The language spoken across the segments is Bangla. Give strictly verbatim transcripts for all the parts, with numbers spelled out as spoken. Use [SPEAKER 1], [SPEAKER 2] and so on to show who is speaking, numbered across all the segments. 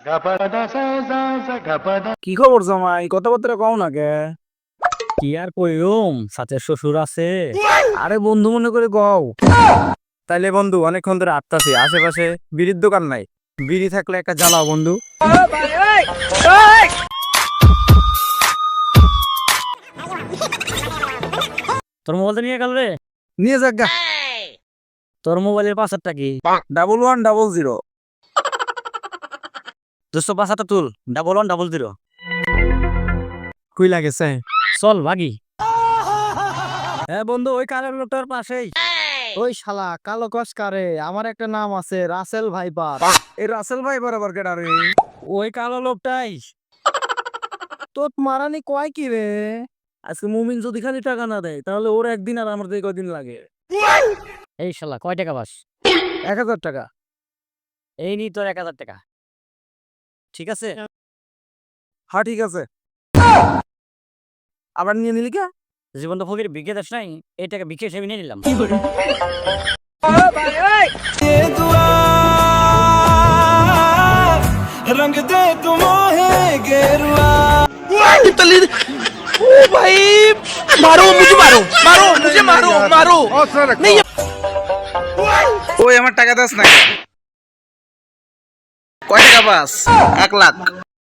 [SPEAKER 1] কি খবর জামাই, কথাবার্তা কও না কে?
[SPEAKER 2] কি আর কইম, সাথে শ্বশুর আছে।
[SPEAKER 1] আরে বন্ধু মনে করে কও। তাইলে বন্ধু অনেকক্ষণ ধরে আটতাছি, আশেপাশে বিড়ির দোকান নাই, বিড়ি থাকলে একটা জ্বালাও বন্ধু।
[SPEAKER 2] তোর মোবাইলটা নিয়ে গেল রে।
[SPEAKER 1] নিয়ে যাক গা।
[SPEAKER 2] তোর মোবাইলের পাসওয়ার্ডটা কি?
[SPEAKER 1] Double one double zero.
[SPEAKER 2] দুশো পাঁচাটা তুল, ডাবল ওয়ান ডাবল জিরো।
[SPEAKER 1] কুই লাগেছে?
[SPEAKER 2] চল ভাগি।
[SPEAKER 1] হ্যাঁ বন্ধু, ওই কালো লোকটার পাশেই। ওই শালা কালো কস কারে, আমার একটা নাম আছে রাসেল ভাইপার। এই রাসেল ভাইপার আবার কেডা রে?
[SPEAKER 2] ওই কালো লোকটাই।
[SPEAKER 1] তোর মারানি কয় কি রে? আজকে মুমিন যদি খালি টাকা না দেয় তাহলে ওর একদিন আর আমার দিয়ে কয়দিন লাগে?
[SPEAKER 2] এই শালা কয় টাকা পাস?
[SPEAKER 1] এক হাজার টাকা।
[SPEAKER 2] এই নি তোর এক হাজার টাকা, ঠিক আছে?
[SPEAKER 1] হ্যাঁ ঠিক আছে। আবার নিয়ে নিলি কে?
[SPEAKER 2] জীবন তো ফকির বিকে দাস নাই, এই টাকা বিকে হিসেবে নিয়ে নিলাম।
[SPEAKER 1] रंग दे तुम है गेरुआ।
[SPEAKER 3] ओ भाई मारो मुझे मारो मारो मुझे मारो मारो नहीं।
[SPEAKER 1] ওই আমার টাকা দাস না।
[SPEAKER 3] কয় টাকা পাস? এক লাখ।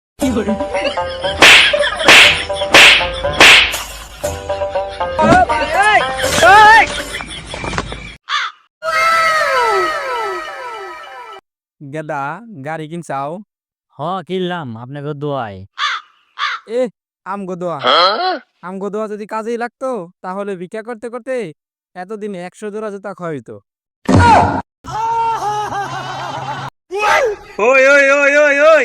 [SPEAKER 1] গেদা গাড়ি কিনছাও?
[SPEAKER 2] হ কিনলাম আপনাকে দোয়ায়।
[SPEAKER 1] এ আমগো দোয়া, আমগো দোয়া যদি কাজেই লাগতো তাহলে ভিক্ষা করতে করতে এতদিনে একশো জোড়া জুতা খাওয়াইতো।
[SPEAKER 3] ওই ওই ওই ওই ওই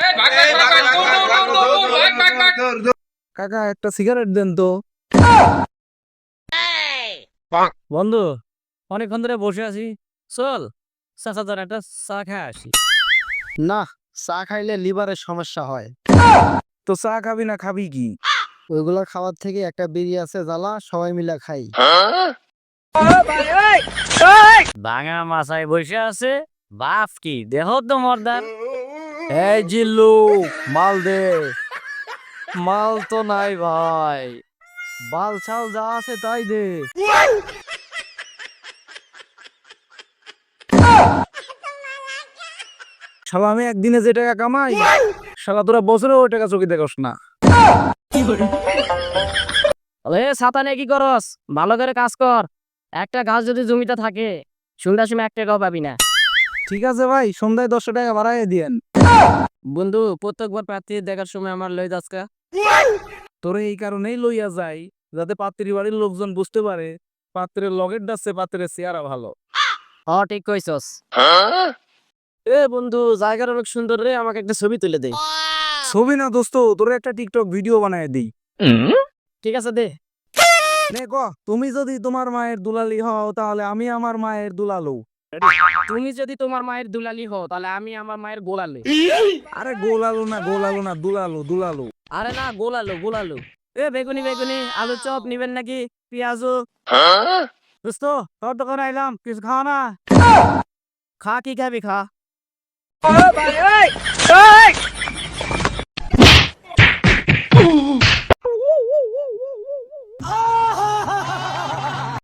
[SPEAKER 1] কাকা একটা সিগারেট দেন তো।
[SPEAKER 2] বন্ধু অনেকক্ষণ ধরে বসে আছি, চল চাচা তোর একটা চা খায় আসি।
[SPEAKER 4] না, চা খাইলে লিভারের সমস্যা হয়।
[SPEAKER 1] তো চা খাবি না খাবি কি?
[SPEAKER 4] ওইগুলা খাওয়ার থেকে একটা বিড়ি আছে জ্বালা, সবাই মিলে খাই।
[SPEAKER 2] ভাঙা মাছায় বসে আছে, বাপ কি দেহ তো মর্দার।
[SPEAKER 1] এই জিল্লু মাল দে। মাল তো নাই ভাই, বাল ছাল যা আছে তাই দে। শালা আমি একদিনে যে টাকা কামাই, শালা তোরা বছরে ওই টাকা চোখে দেখোস না।
[SPEAKER 2] এ ছাতা নিয়ে কি করস? ভালো করে কাজ কর। একটা গাছ যদি জমিতে থাকে সন্ধ্যার সময় এক টাকাও পাবি না।
[SPEAKER 1] ঠিক আছে ভাই, সন্ধ্যায় দশশো টাকা বাড়াই দিয়েন।
[SPEAKER 2] বন্ধু প্রত্যেকবার প্রার্থী দেখার সময় আমার লই দাসকা।
[SPEAKER 1] তোরে এই কারণেই লইয়া যাই যাতে পাত্রী বাড়ির লোকজন বুঝতে পারে পাত্রের লগের ডাচ্ছে পাত্রের চেহারা ভালো।
[SPEAKER 2] হ ঠিক কইছস। এ বন্ধু জায়গাটা অনেক সুন্দর রে, আমাকে একটা ছবি তুলে দে।
[SPEAKER 1] ছবি না দোস্ত, তোরে একটা টিকটক ভিডিও বানায় দিই।
[SPEAKER 2] ঠিক আছে দে।
[SPEAKER 1] নে ক, তুমি যদি তোমার মায়ের দুলালি হও তাহলে আমি আমার মায়ের দুলালু।
[SPEAKER 2] তুমি যদি তোমার মায়ের দুলালি হও তাহলে আমি আমার মায়ের গোলালি।
[SPEAKER 1] আরে গোলালু না, গোলালু না, দুলালু দুলালু।
[SPEAKER 2] আরে না গোলালো গোলালো। এ বেগুনি বেগুনি আলু চপ নিবেন নাকি? পেঁয়াজু। দোস্ত তোর দোকানে আইলাম, কিছু খাওয়া না? খা, কি খাবি খা।